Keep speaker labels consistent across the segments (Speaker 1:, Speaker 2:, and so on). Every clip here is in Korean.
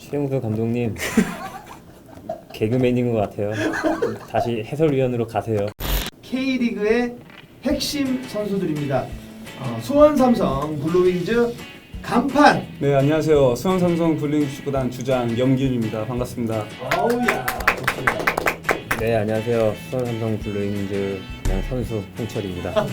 Speaker 1: 최용수 감독님 개그맨인 것 같아요. 다시 해설위원으로 가세요.
Speaker 2: K리그의 핵심 선수들입니다. 수원 삼성 블루윙즈 간판.
Speaker 3: 네, 안녕하세요. 수원 삼성 블루윙즈 축구단 주장 염기훈입니다. 반갑습니다.
Speaker 2: 어우야, 좋습니다.
Speaker 1: 네, 안녕하세요. 수원 삼성 블루윙즈 그냥 선수 홍철입니다.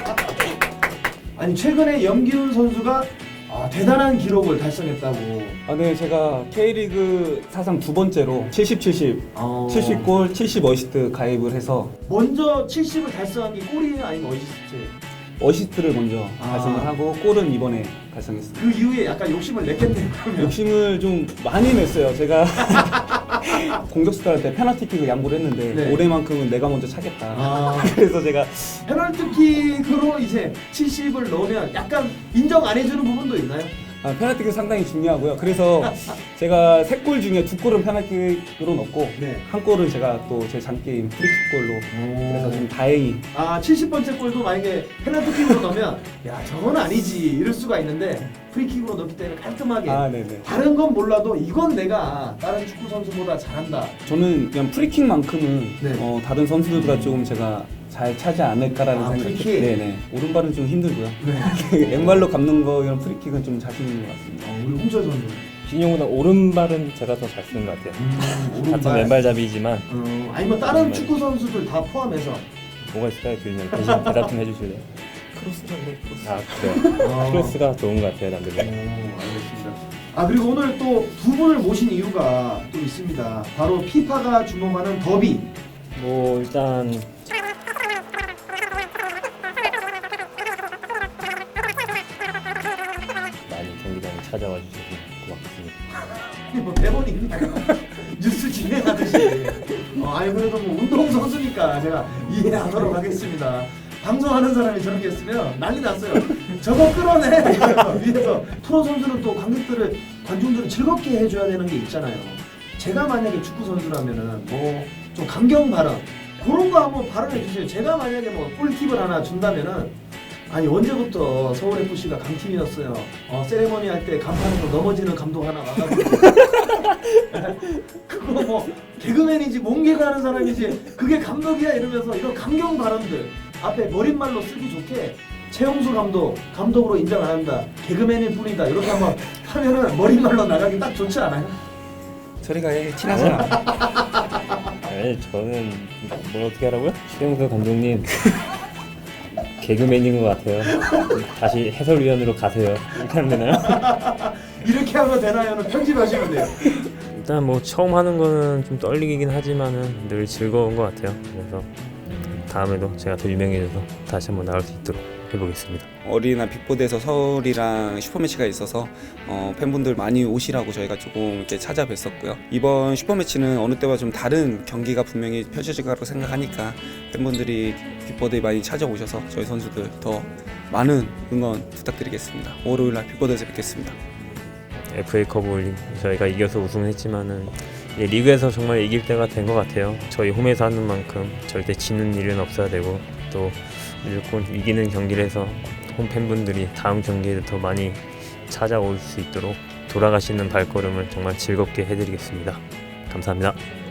Speaker 2: 아니 최근에 염기훈 선수가 대단한 기록을 달성했다고.
Speaker 3: 네, 제가 K리그 사상 두 번째로 70, 70골, 70 어시스트 가입을 해서
Speaker 2: 먼저 70을 달성한 게 골이에요, 아니면 어시스트예요?
Speaker 3: 어시스트를 먼저 달성을 하고 골은 이번에 달성했습니다.
Speaker 2: 그 이후에 약간 욕심을 냈겠네요. 그러면.
Speaker 3: 욕심을 좀 많이 냈어요. 제가 공격수들한테 페널티킥을 양보를 했는데
Speaker 2: 네.
Speaker 3: 올해만큼은 내가 먼저 차겠다.
Speaker 2: 아.
Speaker 3: 그래서 제가
Speaker 2: 페널티킥으로 이제 70을 넣으면 약간 인정 안 해주는 부분도 있나요?
Speaker 3: 페널티킥 상당히 중요하고요. 그래서 제가 3골 중에 2골은 페널티킥으로 넣고
Speaker 2: 네.
Speaker 3: 한 골은 제가 또 제 장게임 프리킥골로 그래서 좀 다행히
Speaker 2: 70번째 골도 만약에 페널티킥으로 넣으면 야 저건 아니지 이럴 수가 있는데 프리킥으로 넣기 때문에 깔끔하게
Speaker 3: 네네.
Speaker 2: 다른 건 몰라도 이건 내가 다른 축구 선수보다 잘한다.
Speaker 3: 저는 그냥 프리킥만큼은
Speaker 2: 네.
Speaker 3: 다른 선수들보다 조금 제가 잘 차지 않을까라는 생각이
Speaker 2: 프리킥?
Speaker 3: 네네. 오른발은 좀 힘들고요.
Speaker 2: 네.
Speaker 3: 왼발로 감는 거 이런 프리킥은 좀 자신 있는 것 같습니다.
Speaker 2: 우리 홍철 선수.
Speaker 1: 진용보다 오른발은 제가 더 잘 쓰는 것 같아요. 같은 왼발잡이지만
Speaker 2: 아니 뭐 다른
Speaker 1: 오른발.
Speaker 2: 축구 선수들 다 포함해서.
Speaker 1: 뭐가 있을까요, 교수님? 대신 대답 좀 해주실래요?
Speaker 3: 크로스인데 크로스.
Speaker 1: 그래요. 크로스가 좋은 것 같아요, 남들은.
Speaker 2: 알겠습니다. 그리고 오늘 또 두 분을 모신 이유가 또 있습니다. 바로 피파가 주목하는 더비.
Speaker 1: 뭐 일단 많이 경기장에 찾아와 주셔서 고맙습니다.
Speaker 2: 뭐 대본이 있나요? 뉴스 진행하듯이. 아니 그래도 뭐 운동 선수니까 제가 이해하도록 하겠습니다. 방송하는 사람이 저렇게 했으면 난리 났어요. 저거 끌어내 위에서. 프로 선수는 또 관중들을 즐겁게 해줘야 되는 게 있잖아요. 제가 만약에 축구 선수라면은 뭐 좀 감경 발언 그런 거 한번 발언해 주세요. 제가 만약에 뭐 꿀팁을 하나 준다면은 아니 언제부터 서울 FC가 강팀이었어요. 세레머니 할 때 간판으로 넘어지는 감독 하나 와가지고 그거 뭐 개그맨이지 몸개그 하는 사람이지 그게 감독이야 이러면서 이런 감경 발언들 앞에 머릿말로 쓰기 좋게 최용수 감독으로 인정 안 한다. 개그맨일 뿐이다. 이렇게 한번 하면은 머릿말로 나가기 딱 좋지 않아요?
Speaker 3: 저리가 티나지 않아.
Speaker 1: 아니 저는 뭘 어떻게 하라고요? 최용수 감독님 개그맨인 것 같아요. 다시 해설위원으로 가세요. 이렇게 하면 되나요?
Speaker 2: 이렇게 하면 되나요?는 편집하시면 돼요.
Speaker 1: 일단 뭐 처음 하는 거는 좀 떨리긴 하지만은 늘 즐거운 것 같아요. 그래서 다음에도 제가 더 유명해져서 다시 한번 나올 수 있도록 해보겠습니다.
Speaker 3: 어린이날 빅보드에서 서울이랑 슈퍼매치가 있어서 팬분들 많이 오시라고 저희가 조금 이렇게 찾아뵀었고요. 이번 슈퍼매치는 어느 때와 좀 다른 경기가 분명히 펼쳐질 거라고 생각하니까 팬분들이 빅보드에 많이 찾아오셔서 저희 선수들 더 많은 응원 부탁드리겠습니다. 월요일날 빅보드에서 뵙겠습니다.
Speaker 1: FA컵을 저희가 이겨서 우승했지만은 리그에서 정말 이길 때가 된 것 같아요. 저희 홈에서 하는 만큼 절대 지는 일은 없어야 되고 또 무조건 이기는 경기를 해서 홈 팬분들이 다음 경기에도 더 많이 찾아올 수 있도록 돌아가시는 발걸음을 정말 즐겁게 해드리겠습니다. 감사합니다.